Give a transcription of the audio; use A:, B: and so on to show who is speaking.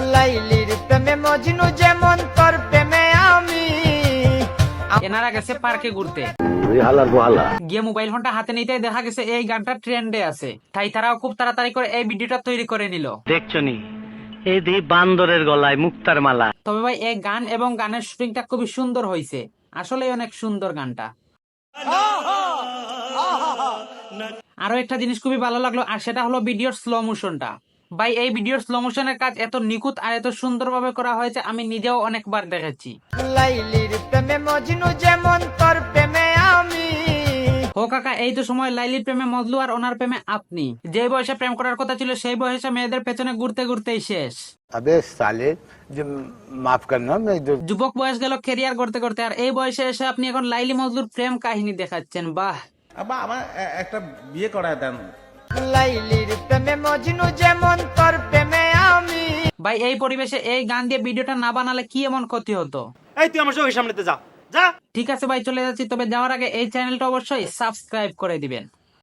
A: লাইলির প্রেমে মজনু যেমন তোর প্রেমে আমি।
B: এনারা গেছে পার্কে ঘুরতে, গিয়ে মোবাইল ফোনটা হাতে নিতে দেখা গেছে এই গানটা ট্রেন্ডে আছে, তাই তারাও খুব তাড়াতাড়ি করে এই ভিডিওটা তৈরি করে নিল।
C: দেখছনি এই দি বান্দরের গলায় মুক্তার মালা।
B: তবে ভাই এই গান এবং গানের শুটিংটা খুবই সুন্দর হয়েছে, আসলে অনেক সুন্দর গানটা। আরো একটা জিনিস খুবই ভালো লাগলো, আর সেটা হলো ভিডিওর স্লো মোশনটা। ভাই এই ভিডিওর স্লো মোশনের কাজ এত নিখুঁত আর এত সুন্দরভাবে করা হয়েছে, আমি নিজেও অনেকবার দেখেছি।
A: লাইলির প্রেমে মজনু যেমন তোর প্রেমে আমি।
B: ও কাকা, এই তো সময় লাইলির প্রেমে মজলু আর ওনার প্রেমে আপনি। যে বয়সে প্রেম করার কথা ছিল সেই বয়সে মেয়েদের পেছনে ঘুরতে ঘুরতেই শেষ।
D: अबे साले जो माफ करना मैं जो
B: যুবক বয়স গেল ক্যারিয়ার করতে করতে, আর এই বয়সে এসে আপনি এখন লাইলি মজলুর প্রেম কাহিনী দেখাচ্ছেন। বাহ,
E: আব্বা আমার একটা বিয়ে করায় দেন।
A: লাইলির প্রেমে মজনু যেমন তোর প্রেমে আমি।
B: ভাই এই পরিবেশে এই গান দিয়ে ভিডিওটা না বানালে কি এমন ক্ষতি হতো?
F: এই তুই আমার চোখের সামনেতে যা যা।
B: ঠিক আছে ভাই, চলে যাচ্ছি, তবে যাওয়ার আগে এই চ্যানেলটা অবশ্যই সাবস্ক্রাইব করে দিবেন।